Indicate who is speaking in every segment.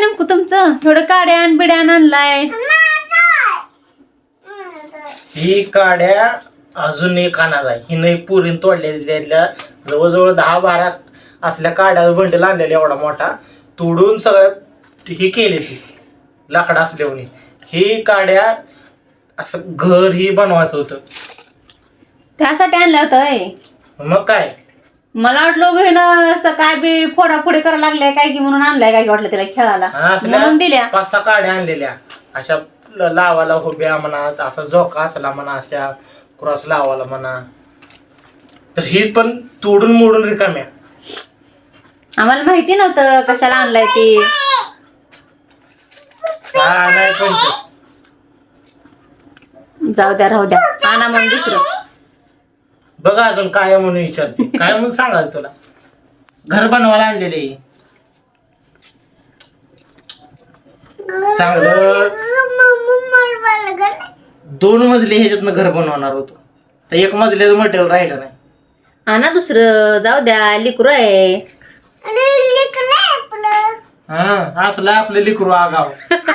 Speaker 1: नेमकं तुमचं थोडं काड्यान बिड्यान आणलाय?
Speaker 2: ही काड्या अजून एक आणणार आहे. ही नाही पुरीन तोडलेली त्यातल्या जवळजवळ 10-12 असल्या काड्या बंडल आणलेल्या एवढा मोठा तोडून सगळ्या ही केली ती लाकडं असल्याने. ही काड्या असं घर ही बनवायचं होतं
Speaker 1: त्यासाठी आणलं होतं.
Speaker 2: मग काय
Speaker 1: मला वाटलं घेणं असं काय बी फोडाफोडी करायला लागलाय काय की म्हणून आणलाय काय की वाटलं तिला खेळायला म्हणून दिल्या.
Speaker 2: 5-6 काड्या आणलेल्या अशा लावाला उभ्या म्हणा, असा झोका असला म्हणा, अशा क्रॉस लावाला म्हणा. तर ही पण तोडून मोडून रिकाम्या.
Speaker 1: आम्हाला माहिती नव्हतं कशाला आणलाय ती.
Speaker 2: काय नाही पण
Speaker 1: जाऊ द्या राहू द्या आणा म्हणून दुसरं.
Speaker 2: बघा अजून काय आहे म्हणून विचारते. काय म्हणून सांगाल तुला घर बनवायला आणलेले चांगलं 2 मजली ह्याच्यातनं घर बनवणार होतो तर 1 मजल्याचं मटेरियल राहिलं नाही.
Speaker 1: आणा दुसरं जाऊ द्या लिकरू आहे.
Speaker 2: हा असलं आपलं लिकरू आगाव.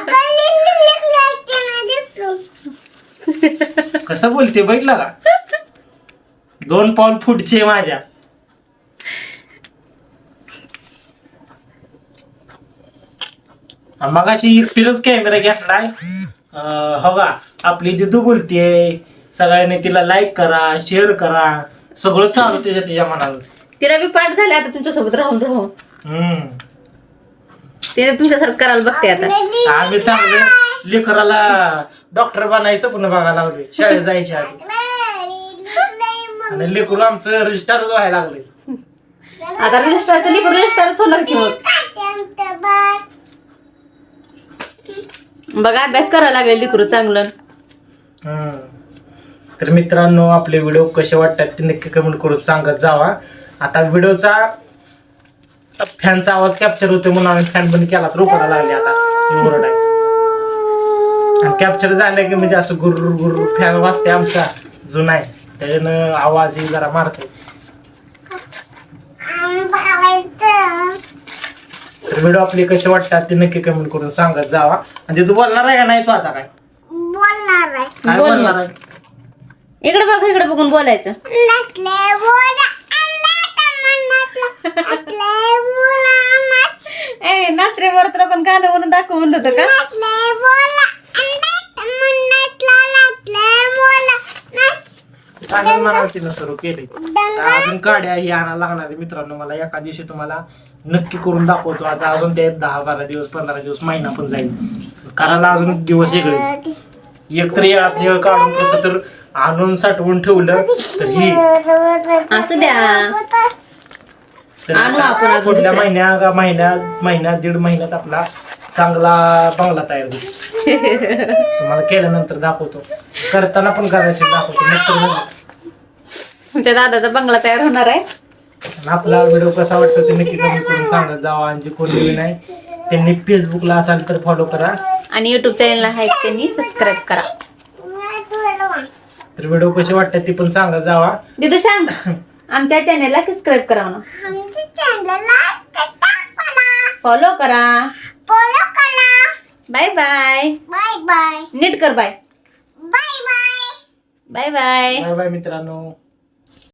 Speaker 2: कसं बोलते बघितलं का 2 पाऊल फुटचे माझ्या. मगाशी एकटीनच कॅमेरा घेतलाय. हो का आपली दिदू बोलतेय सगळ्यांनी तिला लाईक करा शेअर करा सगळं चालू तिच्या मनाला.
Speaker 1: तिला बी पाठ झाले आता तुमच्यासोबत राहून राहून. तिने तुमच्यासारखं करायला बघते आता.
Speaker 2: आम्ही चांगलं लेकराला डॉक्टर बनायचं पण बघायला लागले शाळेत जायच्या आधी. आणि लेकरू आमचं रजिस्टर व्हायला लागले.
Speaker 1: आता रजिस्टरचं लिकरू रजिस्टरच होणार की मग. बघा अभ्यास करायला लागेल लिकरू चांगलं.
Speaker 2: तर मित्रांनो आपले व्हिडिओ कसे वाटतात ते नक्की कमेंट करून सांगत जावा. आता व्हिडिओचा फॅनचा आवाज कॅप्चर होतो म्हणून आम्ही फॅन बंद केला तर उकडायला लागले आता ओरड आहे. आणि कॅप्चर झालं की म्हणजे असं गुर्र गुर्र फॅन वाजते आमचा जुना आहे त्याच्यानं आवाज ही जरा मारतो. तर व्हिडिओ आपले कसे वाटतात ते नक्की कमेंट करून सांगत जावा. म्हणजे तू बोलणार आहे का नाही तू आता काय काय
Speaker 1: बोल
Speaker 2: बोलणार
Speaker 1: मग.
Speaker 2: आहे.
Speaker 1: इकडे बघ इकडे बघून बोलायचं. ए नात्रे वरत्र पण गाणं म्हणून दाखव म्हणलं होतं का.
Speaker 2: तिनं सुरू केले अजून काड्या ही आणायला लागणार आहे मित्रांनो. मला एका दिवशी तुम्हाला नक्की करून दाखवतो. आता अजून ते 10-12 दिवस 15 दिवस महिना पण जाईल कारण अजून दिवस वेगळे. एकतर येळ काढून कसं तर आणून साठवून ठेवलं तर ही
Speaker 1: असू द्या
Speaker 2: तर
Speaker 1: आणू आपण अजून
Speaker 2: पुढल्या महिन्यात 1.5 महिन्यात आपला चांगला बंगला तयार होईल. तुम्हाला केल्यानंतर दाखवतो करताना पण करायचे दाखवतो नंतर.
Speaker 1: तुमच्या दादाचा बंगला तयार होणार आहे.
Speaker 2: आणि आपला व्हिडिओ कसा वाटतो ते नक्की कमेंट करून सांगत जावा. आणि जे कोण नवीन आहे त्यांनी फेसबुकला असाल तर फॉलो करा
Speaker 1: आणि युट्यूब चॅनलला आहे त्यांनी सबस्क्राईब करा.
Speaker 2: तर व्हिडिओ कसे वाटतात ते पण सांगत जावा.
Speaker 1: दिदू सांग आमच्या चॅनलला सबस्क्राईब करा म्हणा. फॉलो करा. Bye bye. नीट कर bye. Bye bye.
Speaker 2: Bye bye मित्रांनो.